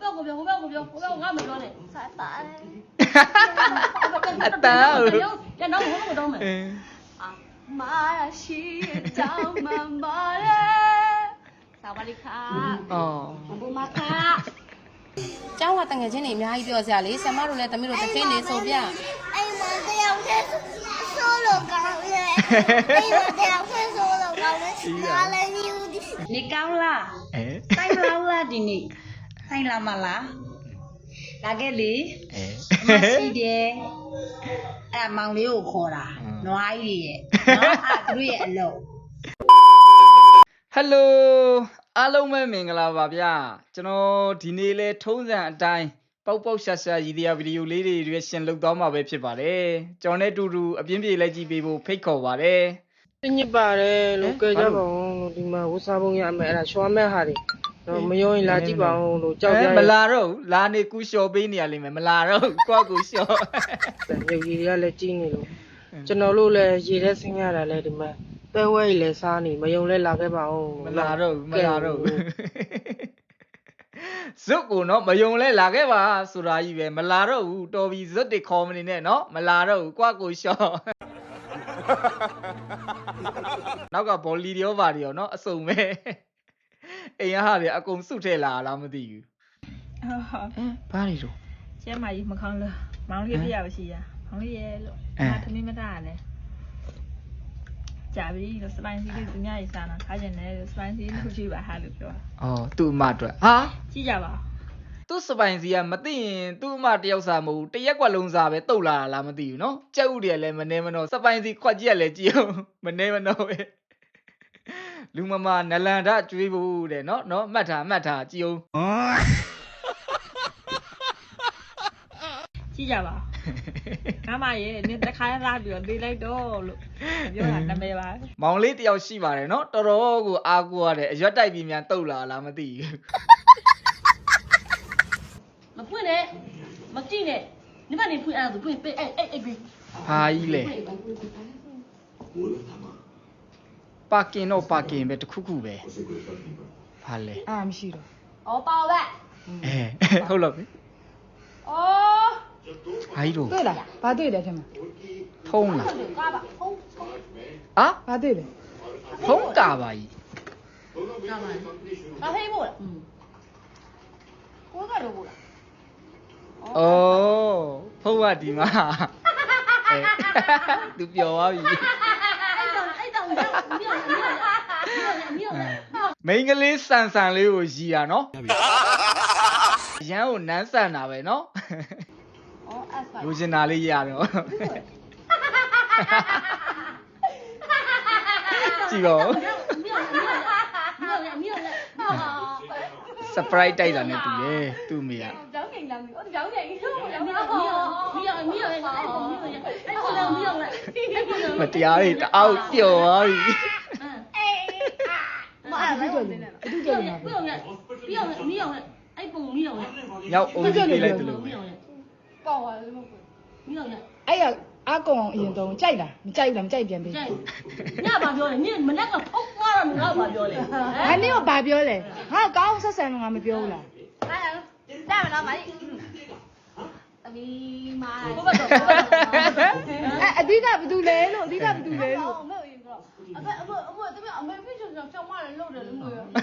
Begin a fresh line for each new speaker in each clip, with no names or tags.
我没说嘞。
才打嘞。
打哦。
这脑壳都没动。
啊，妈呀，西藏妈妈嘞，萨瓦迪卡。
哦。
不马卡。
ကျောင်းကတငယ်ချင်းတွေအများကြီးပြောစရာလေဆရာမတို့လည်းတမီးတို့တစ်ခင်းနေဆိုပြ
哎妈的呀，我solo高嘞！哎妈的呀，我solo高嘞！哪来牛的？
你高啦？
哎。
ဆိုင်လောက်လားဒီနေ့ဆိုင်လာမလားလာခဲ့လေမရှိတယ်အဲ့မောင်လေးကိုခေါ်တာနွားကြီးရဲ့နော်အဲ့သူတို့ရဲ့အလုပ်
ဟယ်လိုအားလုံးပဲမင်္ဂလာပါဗျာကျွန်တော်ဒီနေ့လဲထုံးစံအတိုင်းပေါက်ပေါက်ရှာရှာရည်တရားဗီဒီယိုလေးတွေရွေးရှင်လုပ်သွားမှာပဲဖြစ်ပါတယ်ကျွန်တော်နဲ့တူတူအပြင်းပြေလိုက်ကြည့်ပေးဖို့ဖိတ်ခေါ်ပါတယ်
ညစ်ပါတယ်လို့ကြကြပါဦးလို့ဒီမှာဝစားပုံရမယ်အဲ့ဒါရှောမဲ့ဟာတွေတော့မယုံရင်လာကြည့်ပါဦးလို့ကြောက်ကြ
မလာတော့ဘူးလာနေကူလျှော်ပေးနေရလိမ့်မယ်မလာတော့ဘူးကိုယ့်ကူလျှော်
ရုပ်ရည်တွေကလည်းကြီးနေလို့ကျွန်တော်တို့လည်းရေထဲဆင်းရတာလည်းဒီမှာပဲဝဲကြီးလည်းစားနေမယုံလဲလာခဲ့ပါဦး
မလာတော့ဘူးမလာတော့ဘူးဇွတ်ကိုနော်မယုံလဲလာခဲ့ပါဆိုတာကြီးပဲမလာတော့ဘူးတော်ပြီဇွတ်တွေခေါ်မနေနဲ့နော်မလာတော့ဘူးကိုယ့်ကူလျှော်နောက်ကဘောလီရောပါရောနော်အစုံပဲအိမ်ရဟာတွေအကုန်စုထဲလာလားမသိဘူးဘာတွေတော့
ကျမကြီးမခေါင်းလို့မောင်လေးပြရပါရှိရမောင်လေးရဲ့လို့သမီးမသားလဲကြာပြီလို့စပိုင်းစီလေးသူများရေးစားတာခါကျင်တယ်စပိုင်းစီလို့ကြည့်ပါဟာလို့ပြော
အော်သူ့အမအတွက်ဟာ
ကြည့်ကြပါ
သူ့စပိုင်စီကမသိရင်သူ့အမတယောက်စားမဟုတ်တရက်ကွက်လုံးစားပဲတုတ်လာတာလားမသိဘူးနော်ကြက်ဥတွေကလည်းမနေမနှောစပိုင်စီခွက်ကြီးကလည်းကြည့်အောင်မနေမနှောပဲလူမမနလန်ဒကျွေးဖို့တဲ့နော်မှတ်ထားကြည့်အောင်
ကြည့်ကြပါငါမရဲ့နင်တခါရပြီးတော့နေလိုက်တော့လို့ပြောတာနာမည်ပါ
မောင်လေးတယောက်ရှိပါတယ်နော်တော်တော်ကိုအားကိုးရတယ်အရွက်တိုက်ပြီးမြန်တုတ်လာလားမသိဘူး
မဖွင့်နဲ့မကြည့်နဲ့你把你ဖွင့်အဲ့ဒါဖွင့်ပေးအဲ့ပေး
ဟာကြီးလေပါကင်တော့ပါကင်ပဲတခုခုပဲဟာလေ
မရှိတော့
哦，包呗。
ဟုတ်လို့ပြီ
哦。
ဟာကြီးတို့
对了ဘာတွေ့တယ်ထင်မ
ထုံးလား
嘎吧，轰轰。
ဟာ
ဘာတွေ့လဲ
ထုံးကာပါကြီး
干嘛
嘎黑布了。我个都不了。
အော်ဖုံးကဒီမှာသူပျော်သွားပြီမိန်းကလေးဆန်ဆန်လေးကိုရီတာနော်ရန်ကိုနန်းဆန်တာပဲနော်လူကျင်တာလေးရတော့ကြည့်ပါဦး surprise တိုက်တာနဲ့တူတယ်သူ့မိကမတရားတွေတအောက်ပျော်သွားပြီရောက်အိုးကြီးပေးလိုက်တယ်လို့
အဲ့ရအကောင်အရင်တော့ကြိုက်လားမကြိုက်လားမကြိုက်ပြန်ပြီ
ညဘာပြောလဲညမနက်ကဖုတ်သွားတော့ငါဘာပြောလဲ
ဟာနင်ကဘာပြောလဲငါကောင်းဆက်ဆံတော့ငါမပြောဘူးလား
带不了买。သမီးမာ
ဘဘတော့
အဓိကဘာတူလဲလို့အဓိကဘာတူလဲလို့
အမေရင်တော့အဖေသမီးအမေပြချင်ချောင်းမလည်းလုပ်တယ်လို့မျိုးရော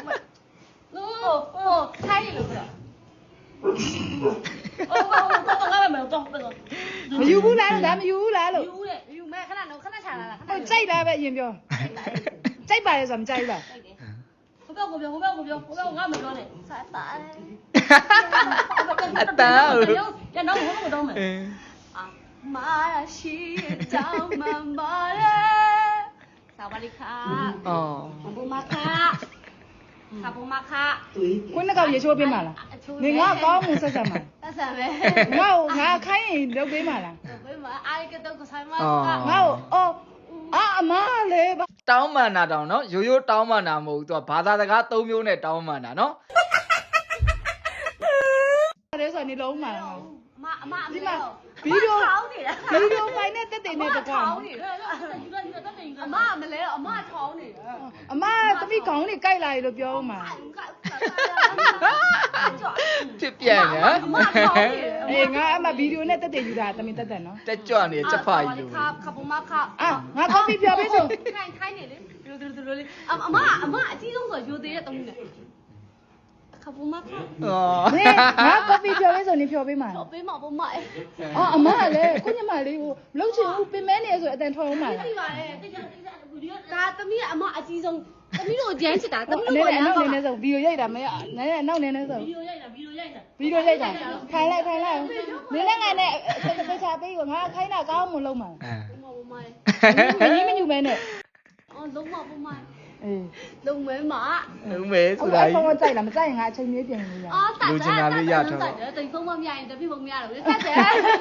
ထိုင်းလို့ပြော
တော့ငါမတော့
မယူဘူးလားဒါမယူဘူးလားလို့
ယူမဲ့ခဏတော့ခဏချလာလား
ဟိုကြိုက်လားပဲအရင်ပြောကြိုက်ပါလေဆိုမကြိုက်ဘူးလား
ဟိုဘက်ငါမပြောနဲ့
才打嘞
အတန်း
这脑壳都没
啊妈呀西藏妈妈嘞萨瓦迪卡不马卡卡不马卡
ကိုနှစ်ကောက်ရေချိုးပေးမှာလားနေငါကောင်းမှုဆက်ဆက်မှာ
ဆက်ဆက်ပဲ
ငါခိုင်းရင်လုပ်ပေးမှာလား
လုပ်ပေးမှာအားရကတော့ဆိုင်မှာ
ငါအော်အမလေးပါ
တောင်းမှန်တာတောင်းနော်ရိုးတောင်းမှန်တာမဟုတ်ဘူးသူကဘာသာစကား၃မျိုးနဲ့တောင်းမှန်တာနော်
အဲ့ဒါဆိုနေလုံးမှာ
အမ
ဒီမှာဗီဒီယိုဖိုင်နဲ့တက်တယ်နဲ့တကွာ
အမမလဲအမထောင်းနေတယ်
အမသမီးခေါင်းလေးကြိုက်လာရလို့ပြောဦးမှာ
ဖြပြန်ညာ
အမခေါင်းနေတယ်
အေးငါအမဗီဒီယိုနဲ့တက်ယူတာတမင်တက်နော်
တက်ကြွနေချက်ဖာကြီးလို့
ခပမခ
အာငါကော်ဖီပြောပေးဆို
ခိုင်းနေလေဒီလိုလေးအမအကြီးဆုံးဆိုရိုသေးတဲ့တုံးနဲ့ခပမခ
อ๋อ
ဟေးငါကော်ဖီပြောပေးဆိုနေပြောပေးမှာ
တော့ပေးမှာပေါ့မအဲ
အော်အမကလည်းကိုညမလေးကိုလှုပ်ချင်ဦးပင်မဲနေဆိုအတန်ထွက်အောင်မှာ
သိပါတယ်တိကျဗီဒီယိုဒါသမီးကအမအကြီးဆုံးသမီးတို့ဂျမ်းချစ်တာသမီး
အနေ
တို့
နဲ့အနောက်နေနေဆိုဗီဒီယိုရိုက်တာမရနဲနောက်နေနေဆို
ဗီဒီယိုရိုက်တာဗီဒီယိုရိုက်တာ
ဗီဒီယိုရိုက်တာထိုင်လိုက်နင်းနဲ့ငါနဲ့သေချာပေးကိုငါခိုင်းတာကောင်းမလုံးမှာ
อ่า
မမ
မင်းမညူမဲနဲ့
အော်လုံးမပုံမ
အေး
လုံးမဲမ
ဦးမေဆိုတာ
အဲ့
ကြီး
ဖုန်းကကြိုက်လားမကြိုက်ရင်ငါအချိန်လေးပြင်လို့ရ
အော်တက်တယ်တိတ်ဖုံးမမရရင်တပိဖုံးမရတော့တက်တယ်တက်တယ်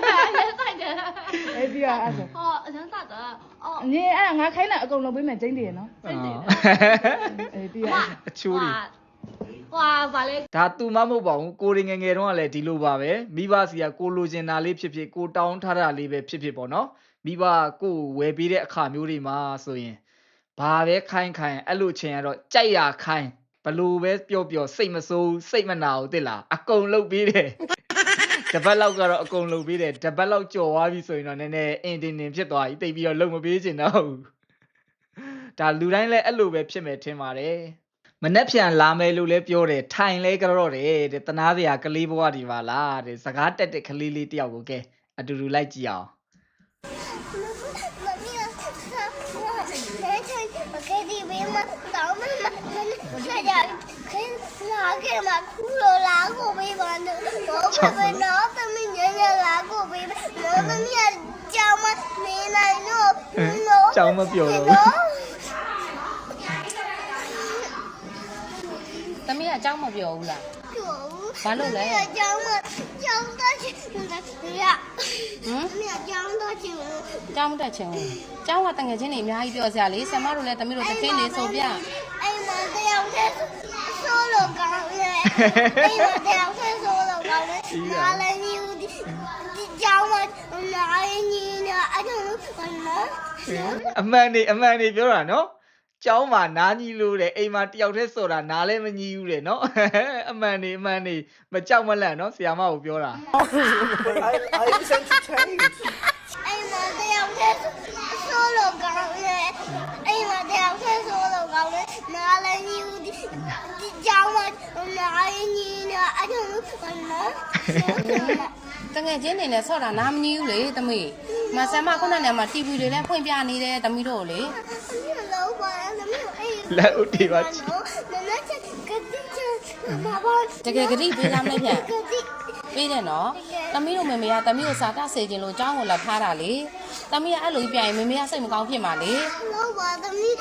အေးပြီးတော့အဲ့ဆို
ဟောအစမ်းတက်တာအော်
နင်းအဲ့ငါခိုင်းတာအကုန်လုံးပေးမယ်ကျင်းတည်ရနော်
อ๋อ
အေးပြီးတော့
အချိုးတွေ
ဟွာဗာလေ
ဒါသူမမဟုတ်ပါဘူးကိုရီငယ်ငယ်တုန်းကလည်းဒီလိုပါပဲမိဘစီကကိုလိုချင်တာလေးဖြစ်ဖြစ်ကိုတောင်းထားတာလေးပဲဖြစ်ဖြစ်ပေါ့နော်မိဘကိုဝယ်ပေးတဲ့အခါမျိုးတွေမှာဆိုရင်ဘာပဲခိုင်းအဲ့လိုချင်ရတော့ကြိုက်ရခိုင်းဘလို့ပဲပျော့ပျော့စိတ်မဆိုးစိတ်မနာဘူးတိလားအကုန်လုပ်ပေးတယ်တပတ်လောက်ကတော့အကုန်လုပ်ပေးတယ်တပတ်လောက်ကြော်သွားပြီဆိုရင်တော့နည်းနည်းအင်တင်တင်ဖြစ်သွားပြီတိတ်ပြီးတော့လုံမပေးချင်တော့ဘူးဒါလူတိုင်းလည်းအဲ့လိုပဲဖြစ်မယ်ထင်ပါတယ်မနှက်ဖြန်လာမယ်လို့လည်းပြောတယ်ထိုင်လဲကြတော့တယ်တဲ့တနာစရာကလေးဘဝဒီပါလားတဲ့စကားတက်တဲ့ကလေးလေးတယောက်ကိုကဲအတူတူလိုက်ကြည့်အောင် ကျောင်းမပြောတော့ဘူး
သမီးကအเจ้าမပြောဘူးလားဘာလို့လဲ
ကျောင်းတော့ချင်တယ်ရ
ဟမ်
သမီးကျောင်းတော့ချင်
เจ้าမတက်ချင်ဘူးเจ้าကတငယ်ချင်းတွေအများကြီးပြောစရာလေဆရာမတို့လည်းသမီးတို့တစ်ချင်းလေးဆိုပြ
အဲ့မတရားတဲ့ဆိုလိုကောင်းလေအဲ့မတရားတဲ့ဆိုလိုကောင်းလေနားလည်းညီဦးဒီကျောင်းမှာနားလည်းညီနေအဲ့ဒါလို့နော်
အမှန်နေပြောတာနော်ကျောင်းမှာနားကြီးလို့တဲ့အိမ်မှာတယောက်တည်းဆိုတာနားလည်းမကြီးဘူးတဲ့နော်အမှန်နေမကြောက်မလန့်နော်ဆရာမကိုပြောတာ
အဲ့မတရားတဲ့ဆိုလိုကောင်းလေအဲ့မတရားတဲ့ဆိုလိုကောင်းလေနားလည်းညီဦးဒီကျောင်းမှာနားလည်းညီနေအဲ့ဒါလို့နော်
တငယ်ချင်းတွေနဲ့ဆော့တာနားမကြီးဘူးလေသမီးမဆရာမခုနကမှ TV တွေလည်းဖွင့်ပြနေတယ်သမီးတို့လေ
လောပါသမီးအဲ့
လက်ဦးတီပါချီ
နနချက်ကတိချဘာဘာ
တကယ်ကြည့်ပေးလားမလဲပြန်
ကတိ
ပေးတယ်နော်သမီးတို့မေမေကသမီးကိုစာတဆေခြင်းလို့အเจ้าကိုလက်ထားတာလေသမီးကအဲ့လိုပြရင်မေမေကစိတ်မကောင်းဖြစ်မှာလေ
လောပါသမီး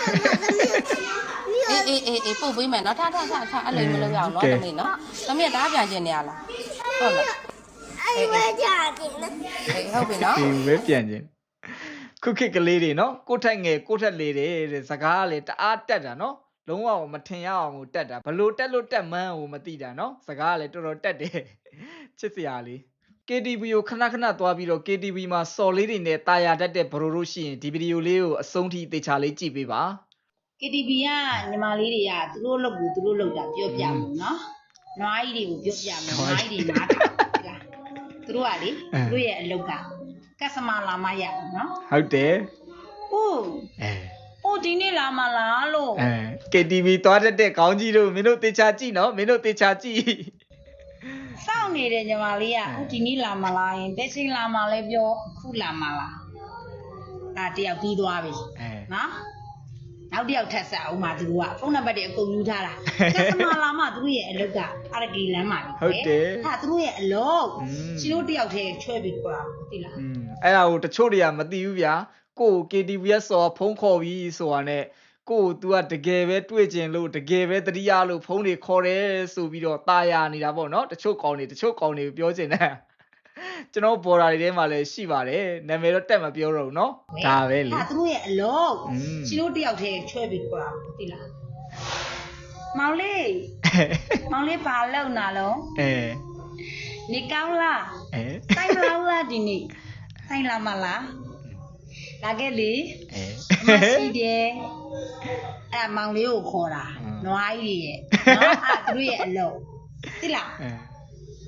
အေးပို့ပေးမယ်နော်ထားအဲ့လိုမလုပ်ရအောင်နော်သမီးနော်သမီးကတားပြန်ခြင်းနေရလားဟုတ်လား
အဲ့ဝဲကြတယ်နော်
အေးဟုတ်ပြီနော်
ဒီဝဲပြန်ခြင်းခုခေတ်ကလေးတွေနော်ကိုထက်ငယ်ကိုထက်လေးတဲ့စကားကလေတအားတက်တာနော်လုံးဝမထင်ရအောင်ကိုတက်တာဘလို့တက်လို့တက်မှန်းကိုမသိတာနော်စကားကလေတော်တော်တက်တယ်ချစ်စရာလေး KTV ကိုခဏသွားပြီးတော့ KTV မှာစော်လေးတွေနဲ့တာယာတတ်တဲ့ဘရိုတို့ရှိရင်ဒီဗီဒီယိုလေးကိုအဆုံးထိသေချာလေးကြည့်ပေးပါ
KTV ကညီမလေးတွေကသူတို့လုပ်ကိုသူတို့လုပ်တာပြောပြမှုနော်နွားကြီးတွေကိုပြောပြမယ်နွားကြီးတွေနားထောင်လားသူတို့ကလေသူတို့ရဲ့အလုပ်ကကက်စမာလာမရဘူးနော်
ဟုတ်တယ်
ဟုတ်
အဲ
ဟိုဒီနေ့လာမလားလို့
KTV သွားတတ်တဲ့ခေါင်းကြီးတို့မင်းတို့သေချာကြည့်နော်မင်းတို့သေချာကြည့်
စောင့်နေတဲ့ညီမလေးကဟိုဒီနေ့လာမလားရင်ဘယ်ချိန်လာမလဲပြောအခုလာမလားဒါတယောက်ပြီးသွားပြီနော်နောက်တစ်ယောက်ထပ်ဆက်အောင်ပါသူတို့ကဖုန်းနံပါတ်တွေအကုန်ယူထားတာကက်စမာလာမှသူတို့ရဲ့အလုပ်ကအရကီလမ်းမှာလေဟုတ်တယ်ဟာသူတို့ရဲ့အလုပ်ရှင်တို့တစ်ယောက်တည်းချွဲပြီးခေါ်တာသိလား
အဲ့ဒါကိုတချို့တွေကမသိဘူးဗျာကို KTV ရဲ့စော်ဖုန်းခေါ်ပြီးဆိုတာနဲ့ကို तू ကတကယ်ပဲတွေ့ကျင်လို့တကယ်ပဲတတိယလို့ဖုန်းတွေခေါ်တယ်ဆိုပြီးတော့ตาရနေတာပေါ့နော်တချို့ကောင်းတွေပြောကျင်တယ်ကျွန်တော်ဘော်ဒါတွေထဲမှာလည်းရှိပါတယ်နာမည်တော့တက်မပြောတော့ဘူးနော်ဒါပဲလေ
ဟာသူတို့ရဲ့အလုပ်ရှင်တို့တစ်ယောက်တည်းချွဲပြီးခေါ်တာသိလားမောင်လေးဘာလုပ်နာလုံးနေကောင်းလားတိုင်းမလားဒီနေ့တိုင်းလာမလားလာခဲ့လေမရှိတယ်အဲ့မောင်လေးကိုခေါ်တာနွားကြီးရဲ့နော်အဲ့သူတို့ရဲ့အလုပ်သိလား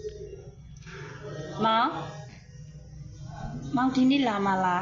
မောင်ဒီနေ့လာမလား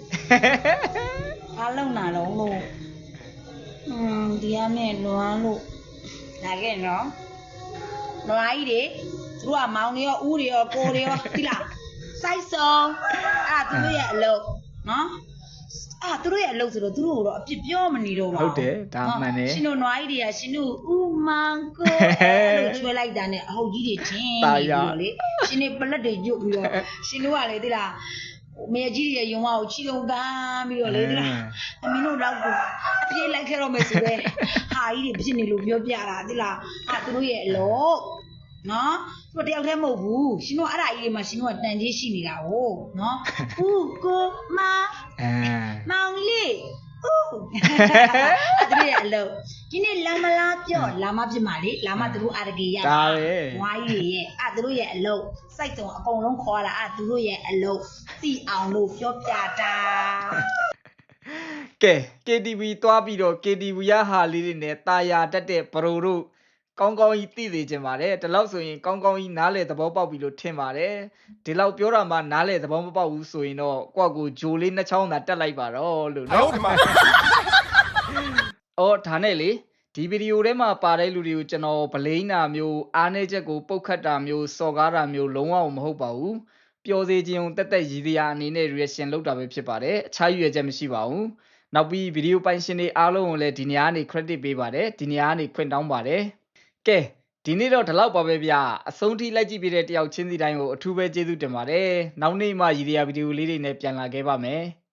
အားလုံးနာတော့လို့ဒီကမဲ့လွမ်းလို့လာခဲ့နော်နွားကြီးတွေသူတို့ကမောင်တွေရောဦးတွေရောကိုတွေရောဒီလားစိုက်စုံသူတို့ရဲ့အလုပ်နော်သူတို့ရဲ့အလုပ်ဆိုတော့သူတို့ကတော့အပြစ်ပြောမနေတော့ပါဘူး
ဟုတ်တယ်ဒါမှန်တယ်
ရှင်တို့နွားကြီးတွေကရှင်တို့ဦးမောင်ကိုလို့ချွဲလိုက်တာနဲ့အဟုတ်ကြီးတွေချင်းပြီးတော့လေရှင်တွေပလက်တွေညွတ်ပြီးတော့ရှင်တို့ကလေဒီလားမေကြီးရဲ့ယုံမကိုချီလုံးတန်းပြီးတော့လေဒီလားအမင်းတို့တော့အပြေးလိုက်ခဲ့တော့မယ်ဆိုတော့ဟာကြီးတွေဖြစ်နေလို့ပြောပြတာဒီလားသူတို့ရဲ့အလုပ်နော်သူတယောက်တည်းမဟုတ်ဘူးရှင်တို့အဲ့ဒါကြီးတွေမှာရှင်တို့ကတန်ကြီးရှိနေတာ哦နော်ဦးကိုမမောင်လေးဦးအဲ့ဒါရဲ့အလုပ်ဒီနေ့လာမလားပြောလာမဖြစ်မှာလေလာမသူတို့အာရကေရ
ဒါပဲ
ဝိုင်းကြီးရဲ့သူတို့ရဲ့အလုပ်စိုက်တုံအကုန်လုံးခေါ်လာသူတို့ရဲ့အလုပ်သိအောင်လို့ပြောပြတာ
ကဲ KTV သွားပြီးတော့ KTV ရဟာလေးတွေနဲ့တာယာတက်တဲ့ဘရိုတို့ကောင်းကောင်းကြီးသိသေးခြင်းပါတယ်ဒီလောက်ဆိုရင်ကောင်းကောင်းကြီးနားလေသဘောပေါက်ပြီလို့ထင်ပါတယ်ဒီလောက်ပြောတာမှနားလေသဘောမပေါက်ဘူးဆိုရင်တော့ကိုယ့်ကိုဂျိုလေးနှစ်ချောင်းသာတက်လိုက်ပါတော့လို့နော်အော်ဒါနဲ့လေဒီဗီဒီယိုထဲမှာပါတဲ့လူတွေကိုကျွန်တော်ဗလိန်းတာမျိုးအားနည်းချက်ကိုပုတ်ခတ်တာမျိုးစော်ကားတာမျိုးလုံးဝမဟုတ်ပါဘူးပျော်စေခြင်းတက်တက်ရည်ရအနေနဲ့ reaction လုပ်တာပဲဖြစ်ပါတယ်အခြားရွေချက်မရှိပါဘူးနောက်ပြီးဗီဒီယိုပိုင်ရှင်တွေအားလုံးကိုလည်းဒီနေရာကနေ credit ပေးပါတယ်ဒီနေရာကနေခွင့်တောင်းပါတယ်ကဲဒီနေ့တော့ဒီလောက်ပါပဲဗျအဆုံးထိလိုက်ကြည့်ပြတဲ့တယောက်ချင်းစီတိုင်းကိုအထူးပဲကျေးဇူးတင်ပါတယ်နောက်နေ့မှရည်ရည်ဗီဒီယိုလေးတွေနဲ့ပြန်လာခဲ့ပါမယ်